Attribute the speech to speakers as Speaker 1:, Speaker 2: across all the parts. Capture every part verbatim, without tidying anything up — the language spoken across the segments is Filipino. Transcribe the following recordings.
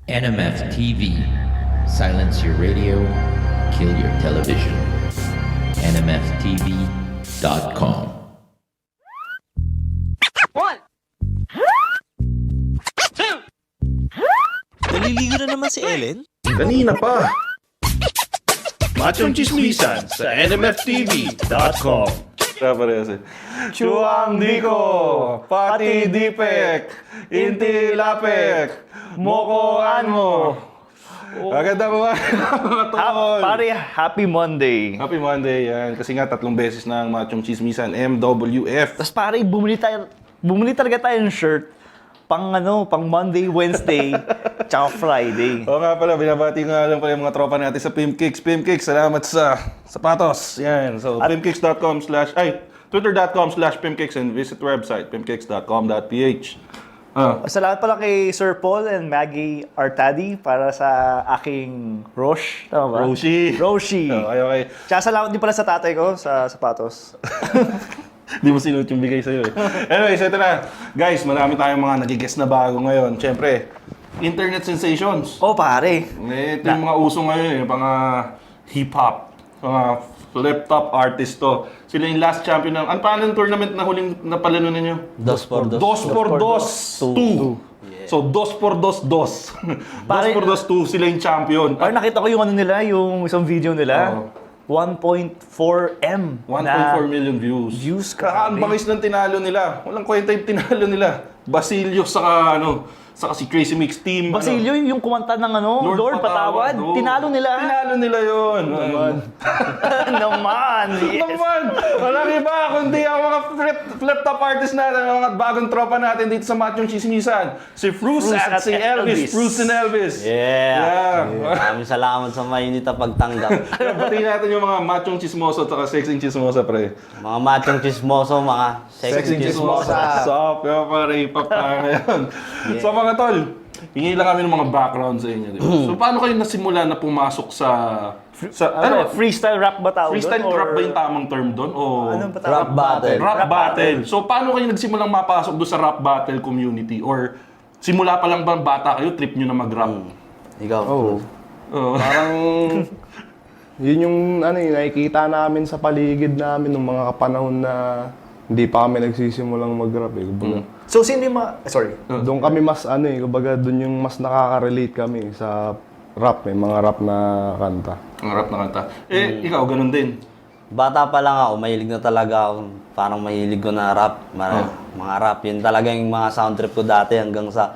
Speaker 1: N M F T V. Silence your radio, kill your television. N M F T V dot com.
Speaker 2: One, two.
Speaker 3: Naliligo na naman si Ellen?
Speaker 4: Kanina pa. Machong Chismisan sa N M F T V dot com. Kaya parehas eh. Chuang Diko, Pati Dipek, Inti Lapek, Moko Anmo. Maganda mo ba? Mga tol.
Speaker 5: Pare, happy Monday.
Speaker 4: Happy Monday yan. Kasi nga tatlong beses na ang Machong Chismisan, M W F.
Speaker 5: Tapos pare, bumili tayo, bumili talaga tayo ng shirt pang ano, pang Monday, Wednesday, tsaka Friday.
Speaker 4: Oo nga pala, binabati nga lang pala yung mga tropa natin sa Pimpkicks. Pimpkicks, salamat sa sapatos. Yan. So, pimpkicks dot com slash, ay, twitter dot com slash pimpkicks and visit website, pimpkicks dot com dot p h. Ah.
Speaker 5: Salamat pala kay Sir Paul and Maggie Artadi para sa aking Roche. Tama ba?
Speaker 4: Roshi.
Speaker 5: Roshi.
Speaker 4: Okay, okay.
Speaker 5: Tsaka salamat din pala sa tatay ko sa sapatos.
Speaker 4: Di mo sinuot yung bigay sa'yo eh. Anyways, ito na. Guys, marami tayong mga nagigess na bago ngayon. Siyempre, internet sensations.
Speaker 5: Oh, pare.
Speaker 4: Eh, ito yung mga uso ngayon, yung mga hip-hop, mga flip-top artist to. Sila yung last champion ng... Ano pa yung tournament na huling napalano ninyo?
Speaker 3: Dos por dos.
Speaker 4: Dos por dos, two. So, dos por dos, dos. Dos por dos, two. Sila yung champion.
Speaker 5: Pare, nakita ko yung ano nila, yung isang video nila.
Speaker 4: Oo.
Speaker 5: one point four M
Speaker 4: one
Speaker 5: na
Speaker 4: point four million views.
Speaker 5: views, grabe.
Speaker 4: Kakaambangis ng tinalo nila. Walang kwenta yung tinalo nila. Basilio saka ano, saka si Crazy Mix Team.
Speaker 5: Basilio,
Speaker 4: ano,
Speaker 5: yung kumanta ng ano,
Speaker 4: Lord,
Speaker 5: Lord, Patawad.
Speaker 4: Oo.
Speaker 5: Tinalo nila.
Speaker 4: Tinalo nila yun. Naman.
Speaker 5: Naman, yes.
Speaker 4: Naman. Walang iba kundi ang mga flip, flip-top artist natin, ang mga bagong tropa natin dito sa Machong Chismisan. Si Fruce
Speaker 5: Fruce
Speaker 4: at
Speaker 5: at
Speaker 4: si Elvis.
Speaker 5: Elvis.
Speaker 4: Fruce and Elvis.
Speaker 3: Yeah.
Speaker 4: Yeah.
Speaker 3: Maraming salamat sa mainit na pagtanggap.
Speaker 4: Batiin natin yung mga machong chismoso at sexing chismosa, pre.
Speaker 3: Mga machong chismoso, mga sexy chismosa.
Speaker 4: Stop, kaya pare, hip-hop tayo ngayon. So mga tol, hingi lang kami ng mga background sa inyo. Di ba? So paano kayo nasimula na pumasok sa... sa
Speaker 5: Ano,
Speaker 4: ano,
Speaker 5: freestyle rap ba tawag
Speaker 4: freestyle
Speaker 5: doon?
Speaker 4: rap
Speaker 5: Or-
Speaker 4: ba yung tamang term doon? O
Speaker 5: Anong ba
Speaker 3: Rap
Speaker 5: tawag?
Speaker 3: battle.
Speaker 4: rap, battle. So paano kayo nagsimulang mapasok doon sa rap battle community? Or simula pa lang ba bata kayo, trip nyo na mag-rap?
Speaker 3: Ikaw.
Speaker 6: Oo.
Speaker 4: Oo.
Speaker 6: Parang yun yung ano yung nakikita namin sa paligid namin nung mga kapanahon na hindi pa kami nagsisimulang mag-rap eh. Kumbaga,
Speaker 5: So, sino yung mga... Sorry.
Speaker 6: doon kami mas ano eh, kumbaga doon yung mas nakaka-relate kami sa rap eh, mga rap na kanta.
Speaker 4: Ang rap na kanta. Eh, ikaw, ganun din.
Speaker 3: Bata pa lang ako, mahilig na talaga ako. Parang mahilig ko na rap. Mga, mga rap. Yun talaga yung mga sound trip ko dati hanggang sa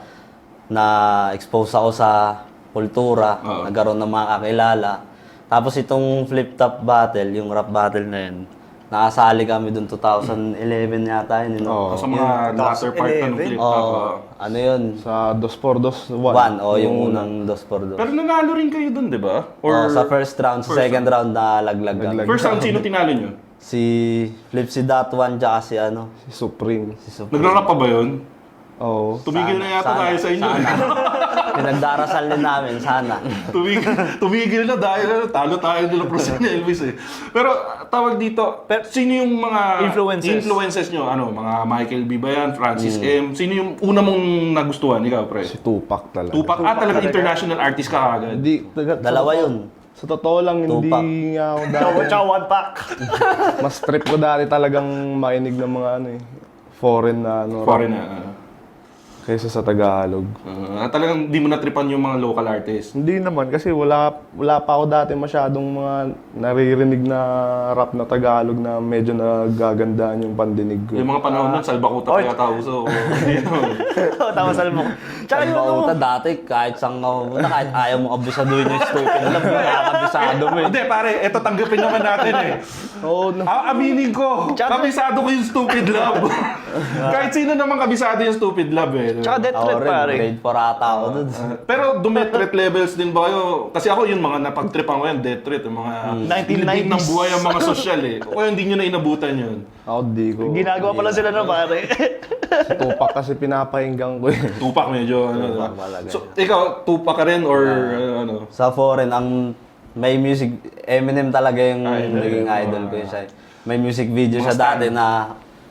Speaker 3: na-expose ako sa kultura.
Speaker 4: Oo.
Speaker 3: Nagkaroon ng mga kakilala. Tapos itong flip-top battle, yung rap battle na yun, nakasali kami dun two thousand eleven yata yun. You know?
Speaker 6: Oo.
Speaker 4: Sa mga latter part na ng flip
Speaker 3: Oo,
Speaker 4: top.
Speaker 3: ano yun?
Speaker 6: Sa Dos por Dos, One.
Speaker 3: One, o yung unang dos por dos.
Speaker 4: Pero nanalo rin kayo dun, di ba?
Speaker 3: Oh, sa first round, sa
Speaker 4: first
Speaker 3: second round na laglag kami.
Speaker 6: Laglag.
Speaker 4: First round, sino tinalo nyo?
Speaker 3: Si Flipsy Dot One tsaka si ano,
Speaker 6: Si Supreme.
Speaker 3: si Supreme.
Speaker 4: Nagra-rap pa ba yun?
Speaker 6: Oo.
Speaker 4: Tumigil na yata tayo sa inyo.
Speaker 3: Sana. Pinagdarasal din namin, sana.
Speaker 4: tumigil, tumigil na dahil ano, talo tayo nila pro ni Elvis eh. Pero tawag dito, sino yung mga
Speaker 5: Influences.
Speaker 4: influences nyo? Ano, mga Michael B. ba yan? Francis M? Sino yung una mong nagustuhan? Ikaw, pre?
Speaker 6: Si Tupac talaga.
Speaker 4: Tupac. Ah, talagang international artist ka kagad.
Speaker 6: Hindi, taga- sa
Speaker 3: Dalawa
Speaker 6: totoo-
Speaker 3: yun.
Speaker 6: Sa totoo lang, hindi
Speaker 3: Tupac.
Speaker 6: nga ako
Speaker 5: Tsaka,
Speaker 6: dati.
Speaker 5: tsaka one pack.
Speaker 6: Mas trip ko dati talagang makinig ng mga ano eh, foreign na ano.
Speaker 4: Foreign
Speaker 6: rap
Speaker 4: na. ah.
Speaker 6: Kaysa sa Tagalog.
Speaker 4: Ah, talagang di mo natripan yung mga local artists.
Speaker 6: Hindi naman kasi wala wala pa ako dati masyadong mga naririnig na rap na Tagalog na medyo nagagandaan yung pandinig ko.
Speaker 4: Yung mga panahon nun, salbakuta pa yata uso. Hindi naman.
Speaker 5: Oo, tama sa mo. Tsaka yung ano,
Speaker 3: Bauta dati, kahit saan ka pumunta, kahit ayaw mo abisaduhin yung stupid lang, nakakabisado mo eh.
Speaker 4: Hindi, pare, eto tanggapin naman natin eh.
Speaker 6: Oo, no.
Speaker 4: Ah, aminin ko,
Speaker 5: Tsaka-
Speaker 4: kabisado ko yung stupid love. Kahit sino naman kabisado yung stupid love eh.
Speaker 5: tsaka death
Speaker 3: Ako
Speaker 5: threat
Speaker 3: rin,
Speaker 5: pare.
Speaker 3: grade four ata ako dun.
Speaker 4: Pero dumet threat levels din ba kayo? Kasi ako yung mga napag-tripan ko yan, death threat, yung mga
Speaker 5: nineteen
Speaker 4: bilibid ng
Speaker 5: nineties.
Speaker 4: buhay ang mga sosyal eh. O kaya hindi nyo na inabutan yun.
Speaker 6: Ako di ko.
Speaker 5: Ginagawa pala sila na pare.
Speaker 6: Si Tupac kasi pinapahinggan ko eh.
Speaker 4: Tupac medyo ano. diba?
Speaker 3: talaga.
Speaker 4: So, ikaw, Tupac ka rin or uh, ano?
Speaker 3: Sa foreign, ang may music, Eminem talaga yung
Speaker 4: Idol.
Speaker 3: naging idol ko yun siya. May music video
Speaker 4: Mga
Speaker 3: siya
Speaker 4: stan.
Speaker 3: dati na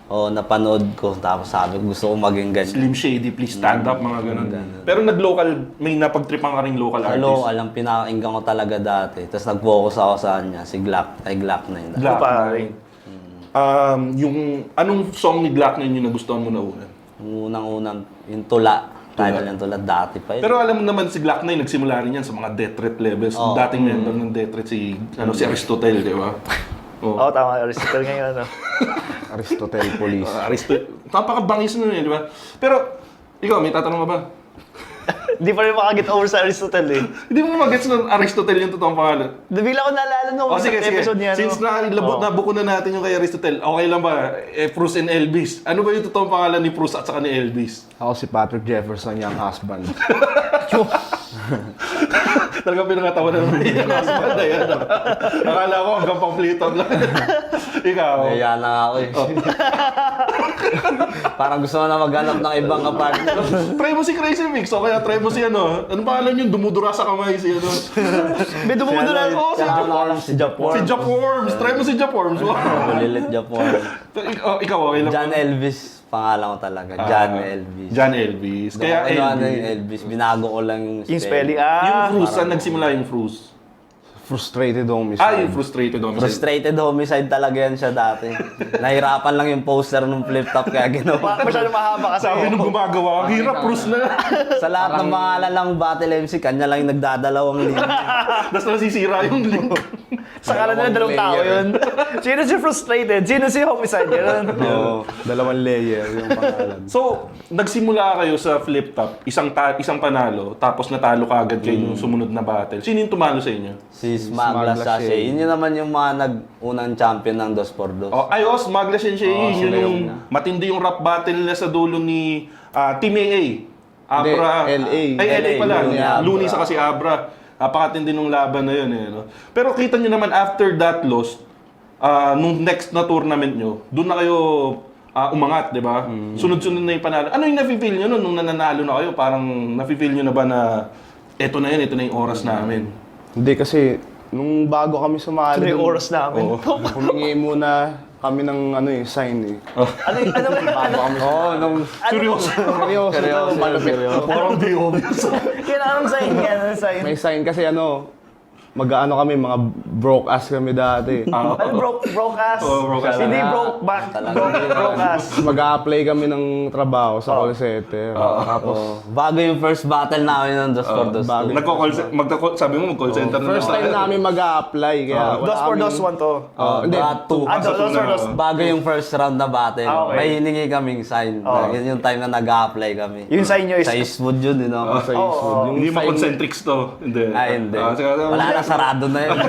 Speaker 3: O napanood ko, tapos sabi ko gusto ko maging ganyan.
Speaker 4: Slim Shady, please stand up, mga ganun. Pero nag-local, may napagtripan ka ring local artist.
Speaker 3: Hello, alam, pinakinggan ko talaga dati. Tapos nag-focus ako sa kanya, si Glock, ay Glock na yun.
Speaker 4: Glock
Speaker 5: Pa
Speaker 4: nine.
Speaker 5: rin.
Speaker 4: Um, yung, anong song ni Glock nine yung nagustuhan mo na una?
Speaker 3: Yung unang-unang, yung tula. Title yung tula, dati pa yun.
Speaker 4: Pero alam mo naman si Glock nine, nagsimula rin yan sa mga death threat levels.
Speaker 3: Oo.
Speaker 4: Dating member ng death threat si, ano, si Aristotle, di ba? Oh.
Speaker 5: Oo, tama. Aristotle ngayon, ano.
Speaker 6: Aristotle Police.
Speaker 4: Uh, Aristotle. Napakabangis na yun, di ba? Pero, ikaw, may tatanong ka ba?
Speaker 5: Hindi pa rin makaget over sa Aristotle eh.
Speaker 4: Hindi mo magets ng Aristotle yung totoong pangalan.
Speaker 5: Bigla ko naalala nung
Speaker 4: O sige, sige.
Speaker 5: episode niya.
Speaker 4: Since na labot na buko na natin yung kay Aristotle, okay lang ba? Eh, Bruce and Elvis. Ano ba yung totoong pangalan ni Bruce at saka ni Elvis?
Speaker 6: Ako si Patrick Jefferson, yung husband.
Speaker 4: Talagang pinangatawa na naman yung husband na yan. ah. Akala ko hanggang pampliton lang. Ikaw.
Speaker 3: Kaya na nga ako eh. Parang gusto ko na maghanap ng ibang kapartner.
Speaker 4: Try mo si Crazy Mix o kaya try mo si ano. Ano pangalan yung dumudura sa kamay si ano?
Speaker 5: May dumudo na.
Speaker 4: Oo, si
Speaker 3: Kaya
Speaker 4: Jap
Speaker 3: na lang si Japor.
Speaker 4: Si Jap Worms. Try mo si Jap Worms. Wow.
Speaker 3: Malilit Japor.
Speaker 4: Pero ik- oh, ikaw, okay lang.
Speaker 3: John Elvis, pangalan ko talaga. John Elvis.
Speaker 4: John Elvis. Kaya
Speaker 3: Kaya ano
Speaker 4: Elvis.
Speaker 3: yung Elvis, binago ko lang yung
Speaker 5: Yung spelling, ah.
Speaker 4: Yung Fruits, saan nagsimula yung Fruits?
Speaker 6: Frustrated homicide.
Speaker 4: Ah, yung frustrated homicide.
Speaker 3: Frustrated homicide talaga yan siya dati. Nahirapan lang yung poster ng flip top kaya ginawa.
Speaker 5: Pa- Masyado mahaba kasi.
Speaker 4: Sabi nung gumagawa, ang hirap, Bruce na.
Speaker 3: Sa lahat ng pangalan ng Battle M C, kanya lang yung nagdadalawang linya.
Speaker 4: Tapos nasisira yung link.
Speaker 5: Sa kalan nila dalawang tao yun. Sino si frustrated? Sino si homicide? Yun.
Speaker 6: Oo, dalawang layer yung pangalan.
Speaker 4: So, nagsimula kayo sa flip top, isang ta- isang panalo, tapos natalo ka agad kayo yung sumunod na battle. Sino yung tumalo sa inyo?
Speaker 3: Si Smagla
Speaker 6: Smagla
Speaker 3: Sachet. Yun yun naman yung mga nag-unang champion ng dos por dos.
Speaker 4: Oh, ay, oh, Smagla Sensei,
Speaker 3: Oo,
Speaker 4: yun
Speaker 3: sila
Speaker 4: yung
Speaker 3: yun.
Speaker 4: matindi yung rap battle nila sa dulo ni ah, Team A A. Abra.
Speaker 6: Hindi, L A.
Speaker 4: Ay, L A pala.
Speaker 3: Looney, Abra.
Speaker 4: Looney sa kasi Abra. Napakatindi nung laban na yun. Eh, no? Pero kita nyo naman, after that loss, ah, nung next na tournament nyo, doon na kayo ah, umangat, di ba? Sunod-sunod na yung panalo. Ano yung nafe-feel nyo nun nung nananalo na kayo? Parang nafe-feel nyo na ba na eto na yun, eto na yung oras namin?
Speaker 6: Hindi kasi, nung bago kami sumali,
Speaker 5: Ito yung
Speaker 6: dun,
Speaker 5: oras namin.
Speaker 6: humingi muna kami ng ano eh, sign eh.
Speaker 5: Ano yung, ano yung, ano,
Speaker 6: Oo, nung
Speaker 4: Seryoso.
Speaker 6: seryoso, seryoso, malupit.
Speaker 4: Parang di obvious.
Speaker 5: kailangan ng sign yan, ano sign?
Speaker 6: May sign kasi ano, mag-ano kami, mga broke ass kami dati.
Speaker 4: Ah,
Speaker 5: Ano, broke, broke ass?
Speaker 4: Oo, broke ass.
Speaker 5: Hindi broke back, broke, broke ass.
Speaker 6: Mag-a-apply kami ng trabaho sa call center. Tapos,
Speaker 3: Oh, bago yung first battle namin ng dos por dos.
Speaker 6: bago.
Speaker 4: Nagko-call ce- magka- sabi mo mag-call center na
Speaker 6: First
Speaker 4: lang
Speaker 6: time
Speaker 4: tayo.
Speaker 6: namin mag-a-apply, kaya wala
Speaker 5: Dos por dos,
Speaker 6: kaming-
Speaker 5: one to.
Speaker 6: Oh, hindi,
Speaker 3: Brad two.
Speaker 5: Ah, dos dos por dos.
Speaker 3: Bago yung first round na battle,
Speaker 5: Ah, okay.
Speaker 3: may hiningi kaming sign.
Speaker 5: Oh.
Speaker 3: Yun yung time na nag-a-apply kami.
Speaker 5: Yung sign nyo is,
Speaker 3: Sa Eastwood yun, you know?
Speaker 6: sa
Speaker 5: Oo,
Speaker 6: Eastwood. Yung
Speaker 4: Hindi
Speaker 6: sign-
Speaker 4: ma-concentrics to. Hindi.
Speaker 3: Ay, hindi.
Speaker 4: Ah, sige,
Speaker 3: Wala na, sarado na yun.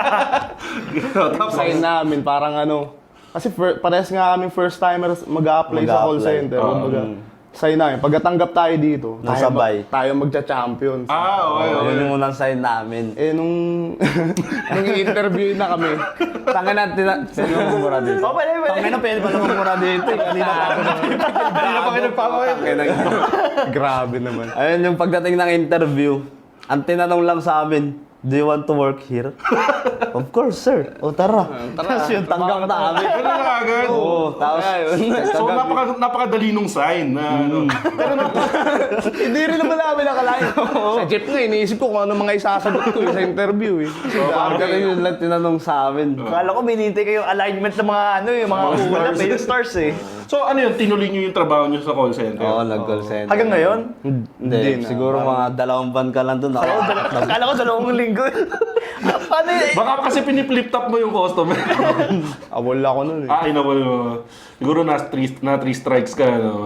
Speaker 6: yung sign namin, parang ano, kasi fir- parehas nga kami first timers mag-a-apply sa call
Speaker 3: Mag-a-apply.
Speaker 6: center.
Speaker 4: Oo.
Speaker 6: Kumbaga, sign namin, pagkatanggap tayo dito, tayo,
Speaker 3: Nasabay.
Speaker 6: mag- tayo magcha-champion.
Speaker 4: Ah, okay, okay.
Speaker 3: Yun yung unang sign namin.
Speaker 6: Eh, nung, nung interview na kami,
Speaker 3: Tangin na, tina... Sino ang mumura dito?
Speaker 5: oh, pwede, pwede.
Speaker 3: Tangin na, pwede pala mumura dito. Kanina pa ako.
Speaker 4: Hindi na pa kayo nagpapakit.
Speaker 6: grabe naman.
Speaker 3: Ayun yung pagdating ng interview, ang tinanong lang sa amin, do you want to work here? Of course, sir. O tara. Tapos yung tanggap na kami.
Speaker 4: Ganun na agad.
Speaker 3: Oo, tapos
Speaker 4: So, napaka, napakadali nung sign na ano. Pero nap-
Speaker 6: Hindi rin naman namin nakalain. Sa jeep nga, iniisip ko kung ano mga isasagot ko eh, sa interview eh.
Speaker 3: ang galing yun lang tinanong sa amin.
Speaker 5: Kala ko binintay kayo yung alignment ng mga ano, yung mga ulap, eh, yung stars eh.
Speaker 4: so, ano yun, tinuloy nyo yung trabaho nyo sa call center?
Speaker 3: Oo, nag-call center.
Speaker 5: Hanggang ngayon?
Speaker 3: Hindi,
Speaker 6: Hindi na.
Speaker 3: siguro mga dalawang buwan ka lang doon.
Speaker 5: Kala ko, dal- kala ko dalawang linggo. Paano yun?
Speaker 4: Baka kasi piniplit top mo yung customer.
Speaker 6: Awol ako nun eh.
Speaker 4: ah, inawal mo. Siguro na three, na three strikes ka. No?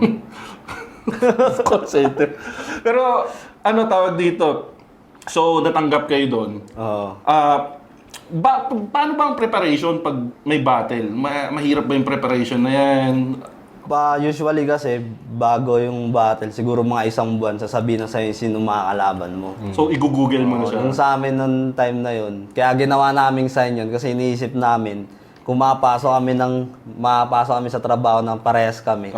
Speaker 4: Call center. Pero, ano tawag dito? So, natanggap kayo doon.
Speaker 3: Oo.
Speaker 4: Ah, ba, paano ba ang preparation pag may battle? Ma- mahirap ba yung preparation na yan?
Speaker 3: Ba, usually kasi, bago yung battle, siguro mga isang buwan, sasabihin na sa'yo sino makakalaban mo.
Speaker 4: So, i-google mo na siya.
Speaker 3: Yung sa amin noong time na yun, kaya ginawa naming sign yun kasi iniisip namin, kung mapasok kami ng, mapasok kami sa trabaho ng parehas kami,
Speaker 4: Oo.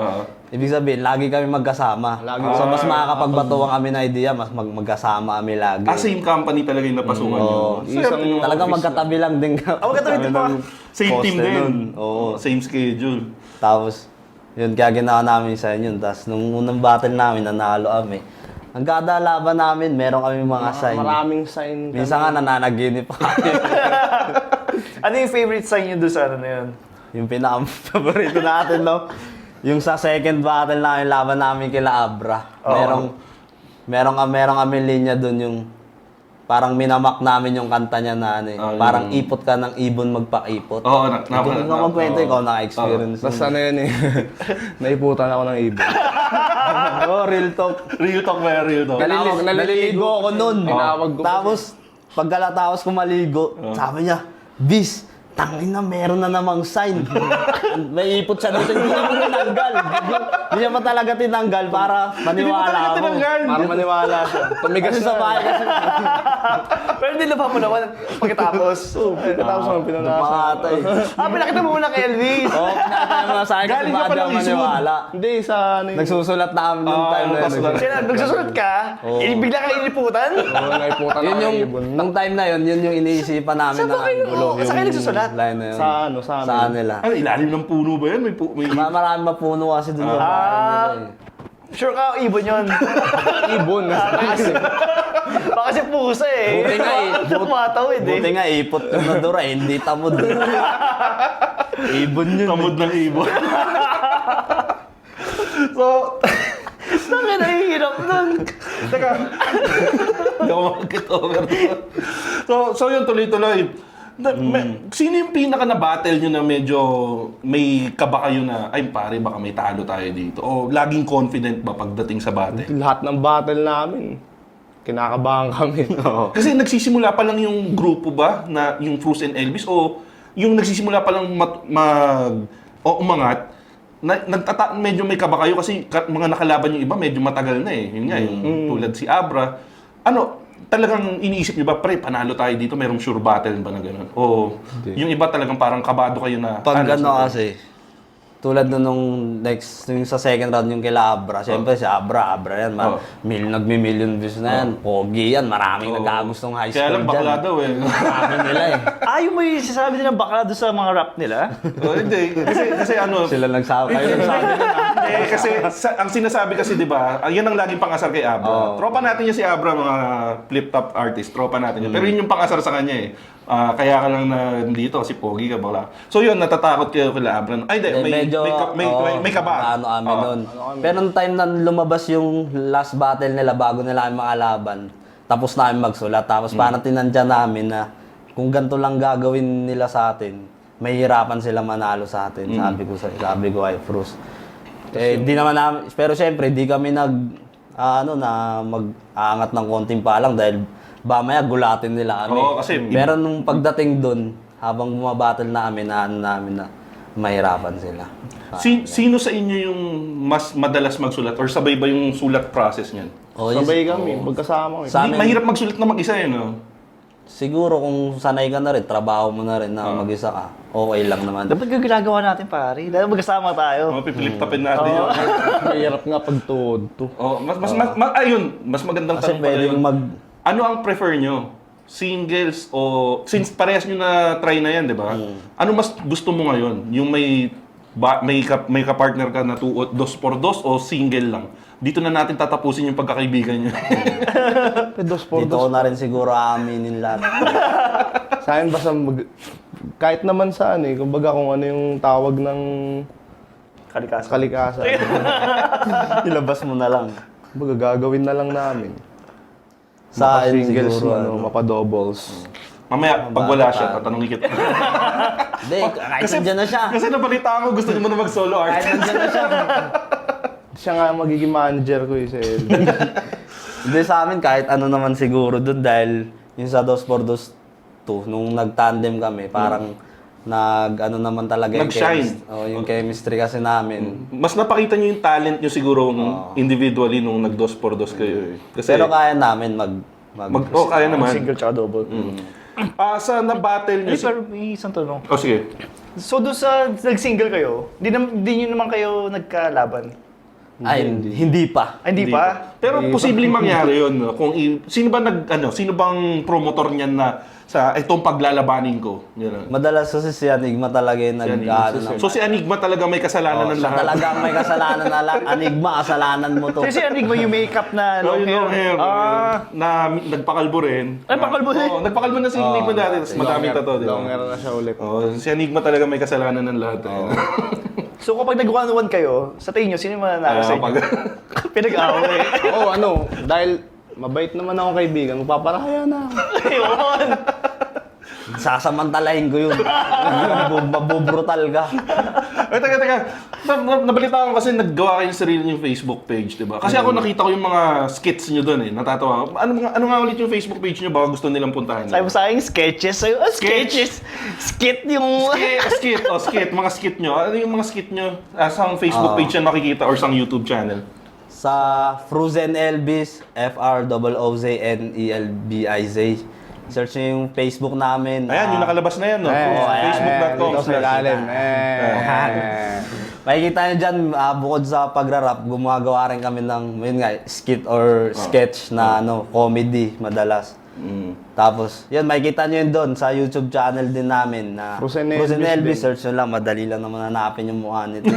Speaker 3: Ibig sabihin, lagi kami magkasama.
Speaker 6: Lagi
Speaker 3: so, mas
Speaker 4: Ah,
Speaker 3: makakapagbatuan kami ng idea, mas mag magkasama kami lagi.
Speaker 4: Ah, same company talaga yung napasukan nyo.
Speaker 3: Oo.
Speaker 6: Isang
Speaker 3: Talagang
Speaker 6: office
Speaker 3: magkatabi lang din kami.
Speaker 5: Oh, magkatabi din pa.
Speaker 4: Same team
Speaker 3: Poste
Speaker 4: din.
Speaker 3: nun. Oo.
Speaker 4: Same schedule.
Speaker 3: Tapos, yun, kaya ginawa namin sa yun. Tapos, nung unang battle namin, nanalo kami. Ang kada laban namin, meron kami mga sign.
Speaker 6: Maraming sign.
Speaker 3: Minsan nga nananaginip pa kami.
Speaker 5: Ano yung favorite sign nyo doon sa ano na yun?
Speaker 3: Yung pinaka-favorito natin, no? Yung sa second battle namin, laban namin kila Abra. Merong, merong, merong kami linya doon yung parang minamak namin yung kanta niya na ano eh.
Speaker 4: Ah,
Speaker 3: parang
Speaker 4: yung-
Speaker 3: ipot ka ng ibon magpa-ipot.
Speaker 4: Oo, na, na,
Speaker 3: Hindi ko magkwento, ikaw naka-experience.
Speaker 6: Basta na yun eh. Naiputan ako ng ibon.
Speaker 3: Oh, real talk.
Speaker 4: Real talk ba real talk?
Speaker 3: Naliligo, naliligo ako nun.
Speaker 6: Tinawag ko pa
Speaker 3: Tapos, pagkalatapos ko maligo, sabi niya, Bis, tangin na, meron na namang sign. May ipot siya dito, hindi niya pa tinanggal. Hindi niya pa talaga tinanggal para maniwala ako.
Speaker 6: Para maniwala siya. Tumigas
Speaker 3: Kasi sa
Speaker 6: na.
Speaker 3: bahay kasi.
Speaker 5: Pero nilaba mo naman pagkatapos.
Speaker 6: Pagkatapos naman pinanasa.
Speaker 3: Makatay.
Speaker 5: Ah, pinakita mo muna kay Elvis.
Speaker 3: Oo, pinatay mo na sa akin kasi
Speaker 4: Galing ka
Speaker 3: baka
Speaker 4: pa
Speaker 3: di ako
Speaker 4: ng Eastwood.
Speaker 3: maniwala.
Speaker 6: Hindi, sa ano yun.
Speaker 3: Nagsusulat na kami nung
Speaker 4: Ah,
Speaker 3: time na
Speaker 4: tapos
Speaker 3: yun.
Speaker 4: lang.
Speaker 5: Kaya nagsusulat ka, eh, bigla kang iniputan.
Speaker 6: Oo, naiputan
Speaker 3: Yun
Speaker 6: ako
Speaker 3: yung,
Speaker 6: ng ibon.
Speaker 3: nung time na yun, yun yung iniisipan namin
Speaker 5: Saan
Speaker 3: na
Speaker 5: ba kayo-
Speaker 3: gulo.
Speaker 5: saan kayo nagsusulat?
Speaker 3: line na yun.
Speaker 6: Sa ano, sa amin.
Speaker 3: Sa nila.
Speaker 4: Ano, ilalim ng puno ba yan? May, pu- may...
Speaker 3: Ma- Marami mapuno kasi dun sa bahay
Speaker 5: Ah.
Speaker 3: nila eh.
Speaker 5: Sure ka, ibon yun.
Speaker 6: Ibon. Kasi,
Speaker 5: Baka kasi pusa eh.
Speaker 3: Buti nga eh. But-
Speaker 5: Tumatawid eh.
Speaker 3: Buti nga, ipot yung nadura, eh, hindi tamod. Ibon yun.
Speaker 4: Tamod ng ibon. so,
Speaker 5: Bakit nahihirap nun?
Speaker 4: teka. Hindi ako mag-get-over. so, so yun, tuloy-tuloy. Na, may- sino yung pinaka na battle nyo na medyo may kaba kayo na, ay pare, baka may talo tayo dito? O laging confident ba pagdating sa battle?
Speaker 6: lahat ng battle namin, kinakabahan kami.
Speaker 4: Kasi nagsisimula pa lang yung grupo ba, na yung Fruits and Elvis, o yung nagsisimula pa lang mat- mag, o umangat, na, nagtata- medyo may kaba kayo kasi ka- mga nakalaban yung iba, medyo matagal na eh. Yun nga, yung tulad si Abra. Ano, talagang iniisip niyo ba, pre, panalo tayo dito, merong sure battle ba na gano'n? O yung iba talagang parang kabado kayo na...
Speaker 3: Pag
Speaker 4: ano,
Speaker 3: ano kasi, tulad nun nung next, yung sa second round yung kila Abra, siyempre si Abra, Abra yan,
Speaker 4: Oh.
Speaker 3: ma- mil, nagmi-million views na yan, pogi yan, maraming
Speaker 4: Oo.
Speaker 3: nagkagustong high school
Speaker 4: Kaya lang bakla
Speaker 3: dyan.
Speaker 4: daw eh.
Speaker 3: Marami nila eh.
Speaker 5: Ayaw mo yung sinasabi nilang bakla doon sa mga rap nila?
Speaker 4: oh, hindi. Kasi, kasi ano...
Speaker 3: Sila nagsabi, kayo nagsabi nila.
Speaker 4: eh, kasi sa, ang sinasabi kasi 'di ba, ah, yan ang laging pangasar kay Abra.
Speaker 3: Oo.
Speaker 4: Tropa natin yan si Abra, mga flip-top artist, tropa natin yan. Pero yun yung pangasar sa kanya eh. Ah, kaya ka lang na dito si Pogi ka bala. So yun, natatakot kayo kila Abra. Ay, di,
Speaker 3: Eh,
Speaker 4: may,
Speaker 3: medyo,
Speaker 4: may, ka- may,
Speaker 3: oo,
Speaker 4: may, may kaba.
Speaker 3: Ano kami
Speaker 4: Oo.
Speaker 3: nun. Pero nung time na lumabas yung last battle nila bago nila kami makalaban, tapos namin magsulat. Tapos
Speaker 4: Hmm.
Speaker 3: parang tinandya namin na kung ganito lang gagawin nila sa atin, mahihirapan sila manalo sa atin.
Speaker 4: Hmm.
Speaker 3: Sabi ko sa sabi ko kay Frus. Eh, di naman namin, pero syempre, di kami nag, ah, ano, na mag-aangat ng konting palang dahil mamaya gulatin nila kami.
Speaker 4: Oo, kasi-
Speaker 3: Pero nung pagdating doon, habang bumabattle na kami, na ano namin na mahirapan sila.
Speaker 4: Si, sino sa inyo yung mas madalas magsulat? Or sabay ba yung sulat process niyan?
Speaker 3: Oh, yes.
Speaker 6: Sabay kami, magkasama kami.
Speaker 3: Sa
Speaker 4: Hindi,
Speaker 3: amin-
Speaker 4: mahirap magsulat na mag-isa eh, no?
Speaker 3: Siguro kung sanay ka na rin, trabaho mo na rin na mag-isa ka, okay lang naman.
Speaker 5: Dapat yung ginagawa natin, pare. Dahil magkasama tayo.
Speaker 4: Oh, pipilip-tapin natin yun.
Speaker 6: Mahirap nga pag tuhod to.
Speaker 4: Oh, mas, mas, mas, ma- ayun, mas magandang
Speaker 3: Kasi
Speaker 4: tanong pala
Speaker 3: pwedeng
Speaker 4: yun.
Speaker 3: mag...
Speaker 4: Ano ang prefer nyo? Singles o... Since parehas nyo na try na yan, di ba? Ano mas gusto mo ngayon? Yung may ba, may ka, may ka-partner ka na two, dos por dos o single lang? Dito na natin tatapusin yung pagkakaibigan nyo.
Speaker 6: Dos por
Speaker 3: Dito
Speaker 6: dos.
Speaker 3: ko na rin siguro aaminin lahat.
Speaker 6: Sa akin basta mag... Kahit naman saan eh, kumbaga kung ano yung tawag ng
Speaker 5: Kalikasan.
Speaker 6: kalikasan.
Speaker 3: Ilabas mo na lang.
Speaker 6: Kumbaga gagawin na lang namin.
Speaker 3: Sa akin
Speaker 6: Mapa-singles,
Speaker 3: siguro,
Speaker 6: ano,
Speaker 3: ano.
Speaker 4: Oh.
Speaker 6: mapa-doubles.
Speaker 4: Mamaya, pag wala siya, tatanungin kita.
Speaker 3: Hindi, kahit nandiyan na siya.
Speaker 4: Kasi nabalita ko, gusto niyo mo na mag-solo
Speaker 3: Kahit
Speaker 4: artist.
Speaker 3: nandiyan na siya.
Speaker 6: Siya nga magiging manager ko eh, si Elvin.
Speaker 3: Hindi sa amin, kahit ano naman siguro dun dahil yung sa dos por dos two, nung nag-tandem kami, parang nag, ano naman talaga yung
Speaker 4: Nag-shine.
Speaker 3: chemistry. Oh, yung chemistry kasi namin.
Speaker 4: Mas napakita niyo yung talent niyo siguro nung individually nung nag-dos por dos kayo. Eh. Kasi,
Speaker 3: Pero kaya namin mag... mag,
Speaker 4: mag, oh, kaya naman.
Speaker 5: Single tsaka double.
Speaker 4: Ah, sa na-battle niyo...
Speaker 5: Hey, pero may isang tanong.
Speaker 4: Oh, sige.
Speaker 5: So doon sa nag-single kayo, di, nam, di nyo naman kayo nagkalaban?
Speaker 3: Ay, hindi, hindi pa.
Speaker 5: Ay, hindi pa?
Speaker 4: Pero posibleng mangyari yun. No? Kung i- sino ba nag ano, sino bang promotor niyan na sa itong paglalabanin ko? Yun.
Speaker 3: Madalas kasi si Anigma talaga yung nag ano, ng-
Speaker 4: So si Anigma talaga may kasalanan ng
Speaker 3: siya
Speaker 4: lahat.
Speaker 3: talaga ang may kasalanan na lahat. Anigma, kasalanan mo to.
Speaker 5: Kasi Anigma yung makeup na
Speaker 4: No,
Speaker 5: long
Speaker 4: yung
Speaker 5: hair.
Speaker 4: long hair.
Speaker 5: Ah,
Speaker 4: na nagpakalbo rin.
Speaker 5: Ay, pakalbo rin?
Speaker 4: Oo, nagpakalbo na si Anigma dati. Tapos madaming tato. di ba?
Speaker 6: Longer na siya ulit.
Speaker 4: Oh, si Anigma talaga may kasalanan ng lahat. Eh.
Speaker 5: so kapag nag-one-on-one kayo, sa tingin nyo, sino yung mananalo sa
Speaker 4: Ah,
Speaker 5: inyo?
Speaker 4: pag-
Speaker 5: Pinag-away.
Speaker 6: Oo, ano, dahil mabait naman ako kaibigan, magpaparahaya na ako.
Speaker 5: Ayun.
Speaker 3: Sasamantalahin ko yun. Mabu- Mabubrutal ka.
Speaker 4: Ay, teka, teka. Na, na, nabalita ko kasi naggawa kayo ng sarili yung Facebook page, di ba? Kasi ako nakita ko yung mga skits nyo doon eh. Natatawa. Ano, nga- ano nga ulit yung Facebook page nyo? Baka gusto nilang puntahan.
Speaker 5: Sabi mo sa akin, sketches. Sabi, ah, sketches. Skit yung...
Speaker 4: Skit, skit, oh, skit, mga skit nyo. Ano yung mga skit nyo? Ah, sa Facebook page yan makikita or sa YouTube channel?
Speaker 3: Sa Frozen Elvis, F R O O Z N E L B I Z. Search nyo yung Facebook namin.
Speaker 4: Ayan, yung
Speaker 3: Ah,
Speaker 4: nakalabas na yan, no?
Speaker 6: Eh,
Speaker 4: Facebook dot com.
Speaker 6: Dito sa ilalim. Eh.
Speaker 3: Makikita nyo dyan, ah, bukod sa pagra-rap, gumagawa rin kami ng, yun nga, skit or sketch na ano, comedy madalas.
Speaker 4: Mm.
Speaker 3: Tapos, yun, makikita nyo yun doon sa YouTube channel din namin na
Speaker 6: Frozen
Speaker 3: Frozen
Speaker 6: Elvis
Speaker 3: Elvis.
Speaker 6: din.
Speaker 3: Search nyo lang, madali lang naman hanapin yung mukha nito.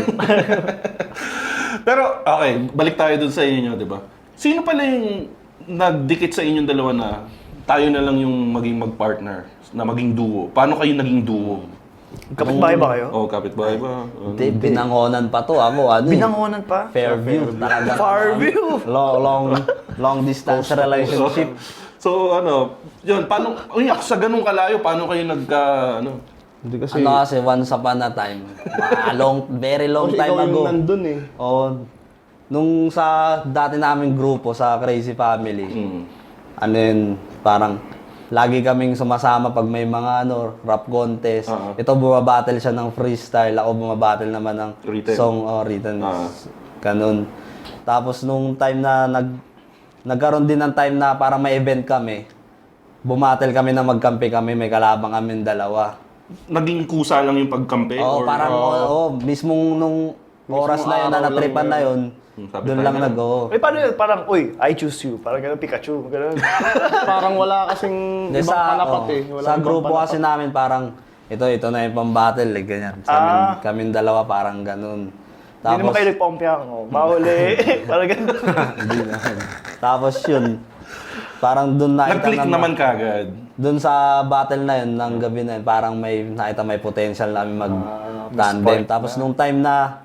Speaker 4: Pero, okay, balik tayo dun sa inyo, di ba? Sino pala yung nagdikit sa inyong dalawa na tayo na lang yung maging mag-partner, na maging duo? Paano kayo naging duo?
Speaker 5: Kapit-bahay ba kayo?
Speaker 4: Oh, kapitbahay ba? Oh.
Speaker 3: Hindi, binangonan pa to. Ako, ano eh,
Speaker 5: Binangonan pa?
Speaker 3: Fairview. Talaga.
Speaker 5: Farview.
Speaker 3: Long, long, long distance relationship.
Speaker 4: So, ano, yun, paano, uy, sa ganung kalayo, paano kayo nagka, ano?
Speaker 6: Hindi kasi,
Speaker 3: Ano kasi, once upon a time. Mga long, very long
Speaker 6: kasi
Speaker 3: time
Speaker 6: ikaw
Speaker 3: ago.
Speaker 6: yung nandun eh.
Speaker 3: Oh, nung sa dati naming grupo, sa Crazy Family,
Speaker 4: Mm.
Speaker 3: ano yun, parang lagi kaming sumasama pag may mga ano, rap contest.
Speaker 4: Oo.
Speaker 3: Ito bumabattle siya ng freestyle, ako bumabattle naman ng
Speaker 4: Written.
Speaker 3: song o written.
Speaker 4: Oo.
Speaker 3: Ganun. Tapos nung time na nag nagkaroon din ng time na parang may event kami, bumattle kami na magkampi kami, may kalabang kami dalawa.
Speaker 4: Naging kusa lang yung pagkampi?
Speaker 3: Oo,
Speaker 4: or-
Speaker 3: parang oo, oh, mismong nung oras na yun na
Speaker 6: araw lang
Speaker 3: natripan na yun,
Speaker 4: Hmm, sabi
Speaker 3: doon
Speaker 4: tayo
Speaker 3: lang
Speaker 4: na.
Speaker 3: nag oo.
Speaker 5: Eh, paano yun? Parang, uy, I choose you. Parang gano'n, Pikachu. Gano'n.
Speaker 6: Parang wala kasing
Speaker 3: Hindi,
Speaker 6: ibang
Speaker 3: sa,
Speaker 6: panapat
Speaker 3: oh,
Speaker 6: eh. Wala
Speaker 3: sa
Speaker 6: ibang
Speaker 3: grupo
Speaker 6: panapat.
Speaker 3: kasi namin parang ito, ito na yung pang-battle, like ganyan. Sa amin,
Speaker 5: Ah.
Speaker 3: kaming dalawa parang ganun.
Speaker 5: Hindi naman kayo nagpompiang. Oh, mahuli. Parang gano'n.
Speaker 3: Hindi naman. Tapos yun, parang doon nakita
Speaker 4: Nag-click
Speaker 3: na,
Speaker 4: naman kagad.
Speaker 3: doon sa battle na yun, ng gabi na yun, parang may nakita may potential namin mag-tandem. Tapos nung time na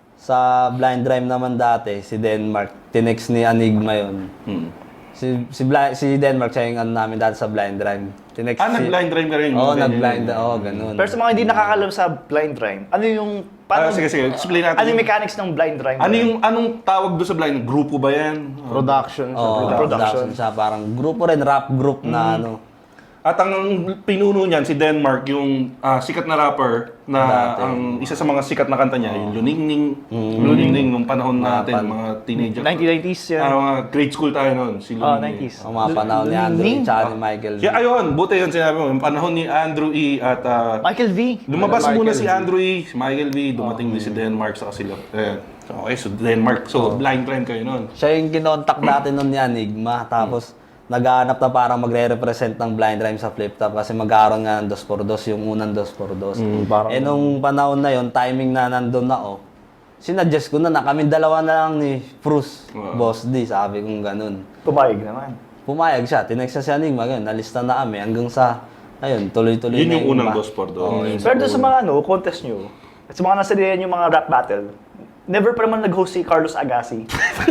Speaker 3: sa blind rhyme naman dati, si Denmark, tinext ni Anigma yun.
Speaker 4: Hmm.
Speaker 3: Si si, Bli- si Denmark siya yung ano namin dati sa blind rhyme. Tinext
Speaker 4: Ah,
Speaker 3: si-
Speaker 4: nag-blind rhyme ka rin?
Speaker 3: Oo,
Speaker 4: Ganyan,
Speaker 3: nag-blind.
Speaker 4: ganyan.
Speaker 3: Oo, ganun.
Speaker 5: Pero sa mga hindi nakakalam sa blind rhyme, ano yung...
Speaker 4: Ah,
Speaker 5: Paano,
Speaker 4: sige, sige. Explain natin.
Speaker 5: ano yung mechanics ng blind rhyme?
Speaker 4: Ano yung, anong tawag doon sa blind? Grupo ba yan?
Speaker 6: Production.
Speaker 3: Oo,
Speaker 6: sa
Speaker 5: production.
Speaker 3: production siya. Parang grupo rin, rap group na ano.
Speaker 4: At ang pinuno niyan, si Denmark, yung ah, sikat na rapper na
Speaker 3: Dati.
Speaker 4: ang isa sa mga sikat na kanta niya, yung Luningning. Luningning nung panahon natin,
Speaker 3: pan-
Speaker 4: mga teenager.
Speaker 5: nineteen nineties yan.
Speaker 4: Ah, mga grade school tayo noon, si
Speaker 5: Oh,
Speaker 4: Luningning.
Speaker 5: nineties.
Speaker 3: Ang mga panahon ni Andrew
Speaker 5: Ning-
Speaker 3: tsaka ni Michael.
Speaker 4: Yeah, ayun, buti yun sinabi mo. Yung panahon ni Andrew E. at ah,
Speaker 5: Michael V.
Speaker 4: lumabas
Speaker 6: Michael
Speaker 4: muna si
Speaker 6: V.
Speaker 4: Andrew E., si Michael V., dumating din si Denmark sa sila. Ayan. So, okay, so Denmark. So, blind rhyme kayo noon.
Speaker 3: Siya yung kinontak natin nun ni Enigma. Tapos, naghahanap na parang magre-represent ng blind rhyme sa flip top kasi magkaroon nga ng dos por dos, yung unang dos por dos.
Speaker 6: Mm, parang-
Speaker 3: eh nung panahon na yon, timing na nandun na ako, sinuggest ko na na kami dalawa na lang ni Bruce,
Speaker 4: Wow.
Speaker 3: Boss D, sabi kong ganun.
Speaker 5: Pumayag naman.
Speaker 3: Pumayag siya, tinext siya si Enigma, ganun, nalista na kami hanggang sa, ayun, tuloy-tuloy
Speaker 4: Yun
Speaker 3: na
Speaker 4: yung unang
Speaker 3: iba.
Speaker 4: dos por dos.
Speaker 3: Oo, yun.
Speaker 5: Pero doon sa mga ano, contest nyo, at sa mga nasa diyan yung mga rap battle, never pa naman nag-host si Carlos Agassi.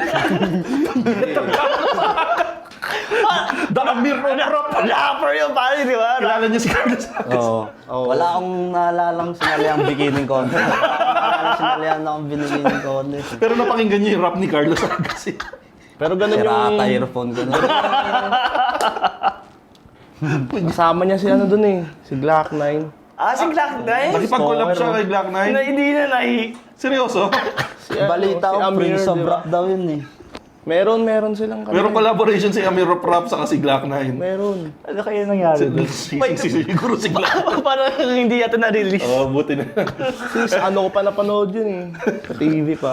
Speaker 4: Damir mo na rap!
Speaker 5: Rapper yun, pare, di ba?
Speaker 4: Kilala niyo si Carlos.
Speaker 3: Oo. Wala akong naalalang sinaliang bikini contest. Wala akong naalalang sinaliang akong bikini contest.
Speaker 4: Pero napakinggan niyo yung rap ni Carlos Agassi.
Speaker 6: Pero ganun
Speaker 3: Sira
Speaker 6: yung...
Speaker 3: ata earphone ko na.
Speaker 6: Kasama niya si ano dun eh. Si Glock nine.
Speaker 5: Ah, si Glock nine?
Speaker 4: Nakipag-collab siya kay Black
Speaker 5: Na,
Speaker 4: Knight.
Speaker 5: hindi na nahi.
Speaker 4: Seryoso?
Speaker 6: Si, ano,
Speaker 3: Balita
Speaker 6: si
Speaker 3: ko,
Speaker 6: Amir,
Speaker 3: Prince of
Speaker 6: di ba?
Speaker 3: Rap daw yun eh.
Speaker 6: Meron, meron silang kanila.
Speaker 4: Meron collaboration si Amir Rap Rap sa si Black Knight.
Speaker 6: Meron.
Speaker 5: Ano kaya nangyari? doon?
Speaker 4: Si, si, si, siguro si Black Knight.
Speaker 5: Parang hindi yata na-release.
Speaker 4: Oh, buti na.
Speaker 6: Sis, ano ko pa napanood yun eh. Sa T V pa.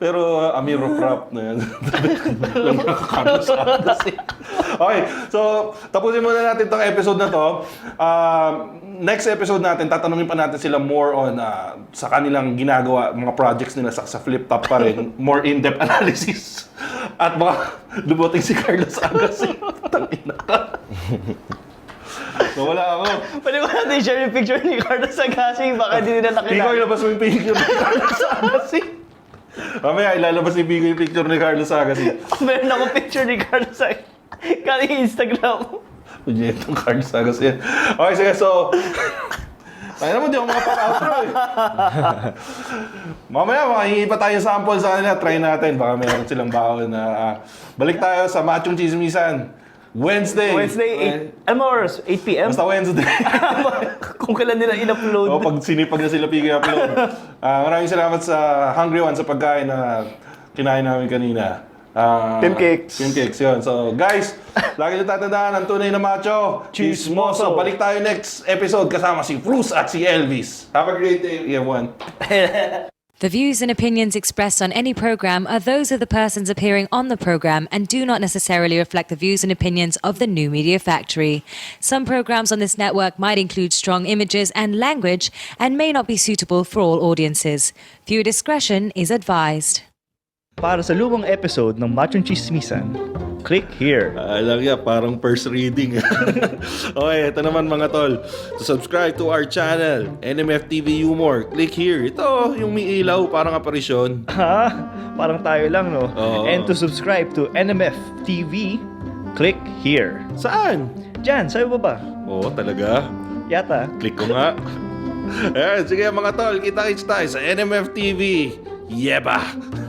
Speaker 4: Pero uh, Amir Rap na yan. Lang nakakano sa atas eh. Okay, so tapusin muna natin tong episode na to. Uh, next episode natin, tatanungin pa natin sila more on uh, sa kanilang ginagawa, mga projects nila sa, sa Flip Top pa rin. More in-depth analysis. At baka dumating si Carlos Agassi. Tangina ka. Nawala ako.
Speaker 5: Pwede ko natin share yung picture ni Carlos Agassi, baka hindi nila nakilala.
Speaker 4: Ikaw ilabas mo yung picture ni Carlos Agassi. Mamaya ilalabas ni Bigo yung picture ni Carlos Agassi.
Speaker 5: Meron akong picture ni Carlos Agassi. Kaya Instagram.
Speaker 4: Punyetong Carlos Agassi yan. Okay, sige, so... Tayo naman, di ako makapag-outro eh. Mamaya, makahingi pa tayo sample sa kanila. Try natin. Baka meron silang baon na... ah, balik tayo sa Machong Chismisan. Wednesday.
Speaker 5: Wednesday, eight, ano mo oras? eight p m?
Speaker 4: Basta Wednesday.
Speaker 5: Kung kailan nila in-upload.
Speaker 4: O, pag sinipag na sila Piggy upload. Ah, maraming salamat sa Hungry One sa pagkain na kinain namin kanina. Ah,
Speaker 5: Tim Cakes.
Speaker 4: Tim Cakes, yun. So, guys, lagi nyo tatandaan ang tunay na macho, chismoso. Balik tayo next episode kasama si Bruce at si Elvis. Have a great day, everyone.
Speaker 2: The views and opinions expressed on any program are those of the persons appearing on the program and do not necessarily reflect the views and opinions of the New Media Factory. Some programs on this network might include strong images and language and may not be suitable for all audiences. Viewer discretion is advised.
Speaker 5: Para sa lumang episode ng Machong Chismisan, click here.
Speaker 4: Alam niya, parang first reading. Okay, ito naman mga tol. To subscribe to our channel, N M F T V Humor, click here. Ito, yung may ilaw, parang aparisyon.
Speaker 5: Ha? Parang tayo lang, no?
Speaker 4: Oo.
Speaker 5: And to subscribe to N M F T V, click here.
Speaker 4: Saan?
Speaker 5: Diyan, sa'yo ba ba?
Speaker 4: Oo, talaga.
Speaker 5: Yata.
Speaker 4: Click ko nga. Ayan, sige mga tol, kita-kits tayo sa N M F T V. Yeba!